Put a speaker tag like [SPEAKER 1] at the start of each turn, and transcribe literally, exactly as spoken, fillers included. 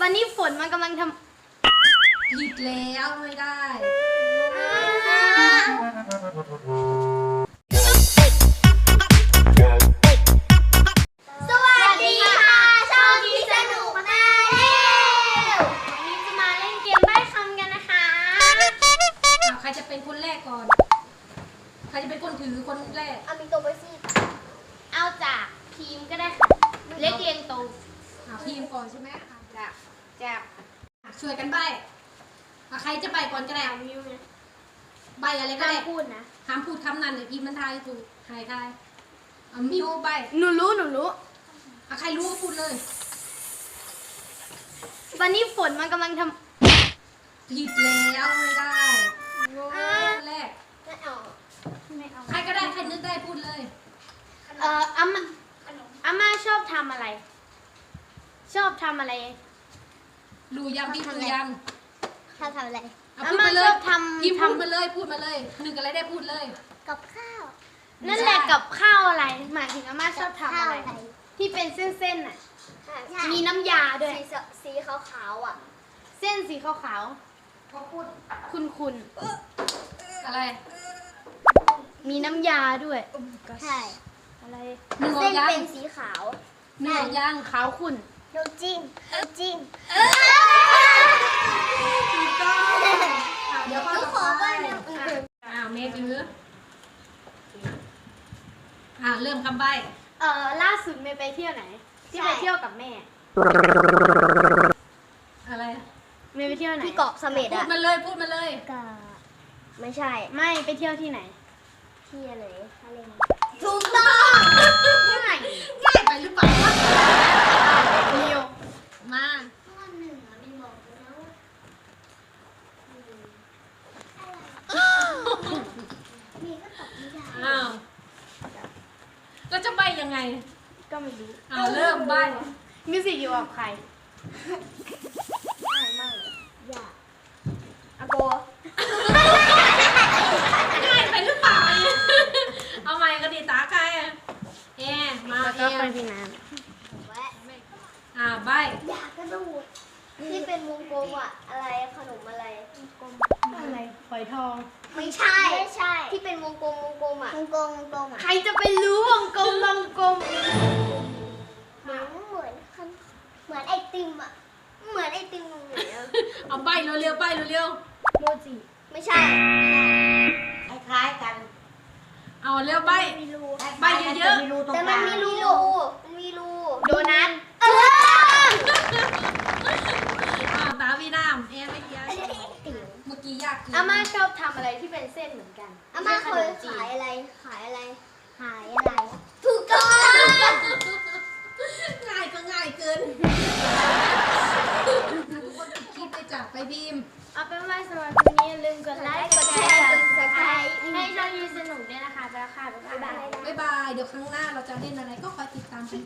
[SPEAKER 1] วันนี้ฝนมันกำลังท
[SPEAKER 2] ำผิดแล้วไม่ได้
[SPEAKER 1] สวัสดีค่ะช่องที่สนุกมาแล้ววันนี้จะมาเล่นเกมใบ้คำกันนะคะ
[SPEAKER 2] ใครจะเป็นคนแรกก่อนใครจะเป็นคนถือคนแรก
[SPEAKER 1] เอามีตัวไปสิเอาจากทีมก็ได้ค่ะเล็กเรียงโต
[SPEAKER 2] ทีมก่อนใช่ไหมจากจากช่วยกันใบ้ใครจะใบ้ก่อนก็ได้ใบ้อะไรก็ได้
[SPEAKER 1] พูดนะ
[SPEAKER 2] ห้ามพูดคำนั้นเดี๋ยวพีมันทายถูกใครทายเอามิวใบ้
[SPEAKER 1] หนูรู้หนูรู้
[SPEAKER 2] ใครรู้ก็พูดเลย
[SPEAKER 1] วันนี้ฝนมันกำลังท
[SPEAKER 2] ำผิดแล้วไม่ได้แรก
[SPEAKER 1] ไม่เอาไม่เอา
[SPEAKER 2] ใครก็ได้ใครนึกได้พูดเลย
[SPEAKER 1] เอ่ออาม่าอาม่าชอบทำอะไรชอบทำอะไร
[SPEAKER 2] รู้ยังพี่รู้ยัง
[SPEAKER 1] ชอบทำอะไร
[SPEAKER 2] อาม่าชอบทำพี่พูดมาเลยพูดมาเลยนึกอะไรได้พูดเลย
[SPEAKER 1] กับข้าวนั่นแหละกับข้าวอะไรหมายถึงอาม่าชอบทำอะไรที่เป็นเส้นๆน่ะมีน้ำยาด้วย
[SPEAKER 3] สีขาวๆอ่ะ
[SPEAKER 1] เส้นสีขาวๆเขาพูดคุณ
[SPEAKER 2] ๆอะไร
[SPEAKER 1] มีน้ำยาด้วย
[SPEAKER 3] ใช่
[SPEAKER 1] อะไร
[SPEAKER 3] เส้นเป็นสีขาว
[SPEAKER 2] เนื้อย่าง
[SPEAKER 1] ขาวขุ่น
[SPEAKER 3] น้ำจิ้มน้ำจิ้ม
[SPEAKER 2] ถูกต้องเดี๋ยว
[SPEAKER 3] ทุกคนก็เริ่ม
[SPEAKER 2] อ้าวเมย์ถืออ่าเริ่มคำใบ้
[SPEAKER 1] เอ่อล่าสุดเมย์ไปเที่ยวไหนที่ไปเที่ยวกับแม่
[SPEAKER 2] อะไร
[SPEAKER 1] เมย์ไปเที่ยวไหน
[SPEAKER 3] ที่เกาะเสม็ด
[SPEAKER 2] พู
[SPEAKER 3] อะ
[SPEAKER 2] ดมาเลยพูดมาเลย
[SPEAKER 3] ก็ไม่ใช่
[SPEAKER 1] ไม่ไปเที่ยวที่ไหน
[SPEAKER 3] ที่อะไรทะเล
[SPEAKER 1] ถูกต้องที่ไหน
[SPEAKER 2] ง่ายไปหรือเปล่า
[SPEAKER 1] เดียว
[SPEAKER 2] มา
[SPEAKER 3] ข้อหนึ่งอะมีบอกแล้วมีก็ตอบไม่ได้
[SPEAKER 2] อ้าวเราจะใบ้ยังไง
[SPEAKER 1] ก็ไม่รู้
[SPEAKER 2] อ้าวเริ่มใบ้
[SPEAKER 1] มิวสิกอยู่กับใคร
[SPEAKER 3] ง่ายมากเลยยากอาโก
[SPEAKER 2] ง่ายไปหรือเปล่าเอาใหม่ก็ดีตาใครเอมา
[SPEAKER 1] แล้วก็ไปพี่น้
[SPEAKER 3] ำแวะ
[SPEAKER 2] อ่าใบ
[SPEAKER 3] อยากกระโดดที่เป็นวงกลมอะอะไรขนมอะไรวงกลม
[SPEAKER 1] อะไรฝอยทอง
[SPEAKER 3] ไม่ใช่ไม่ใช่ที่เป็นวงกลมวงกลมอะวงกลมวงกลมอะ
[SPEAKER 1] ใครจะไปรู้วงกลมวงกลม
[SPEAKER 3] เหมือนเหมือนเหมือนไอติมอะเหมือนไอติมเลย
[SPEAKER 2] เอาใบเร็วๆใบเร็ว
[SPEAKER 1] โมจิ
[SPEAKER 3] ไม่ใช่
[SPEAKER 4] คล้ายๆกัน
[SPEAKER 2] เอาเร็วใบใบเยอะ
[SPEAKER 4] ๆ
[SPEAKER 3] แต่มันมีรูมันมีรู
[SPEAKER 1] โดนัท
[SPEAKER 3] เออ
[SPEAKER 2] อ้าวตาพี่น้ำเอไม่ยากเมื่อกี้ยาก
[SPEAKER 1] อาม่าชอบทำอะไรที่เป็นเส้นเหมือนกัน
[SPEAKER 3] อาม่าเคยขายอะไรขายอะไรขายอะไรถูกต้อง
[SPEAKER 2] ง่ายก็ง่ายเกินคิดไปจับไปพิมพ์
[SPEAKER 1] เอาเป็นว่าสำหรับวันนี้อย่าลืมกดไลค์กดแชร์กดซับสไครต์ให้ช่องยูสนุกด้วยนะคะไปแล้วค่ะบ๊ายบาย
[SPEAKER 2] บ๊ายบายเดี๋ยวครั้งหน้าเราจะเล่นอะไรก็คอยติดตามกัน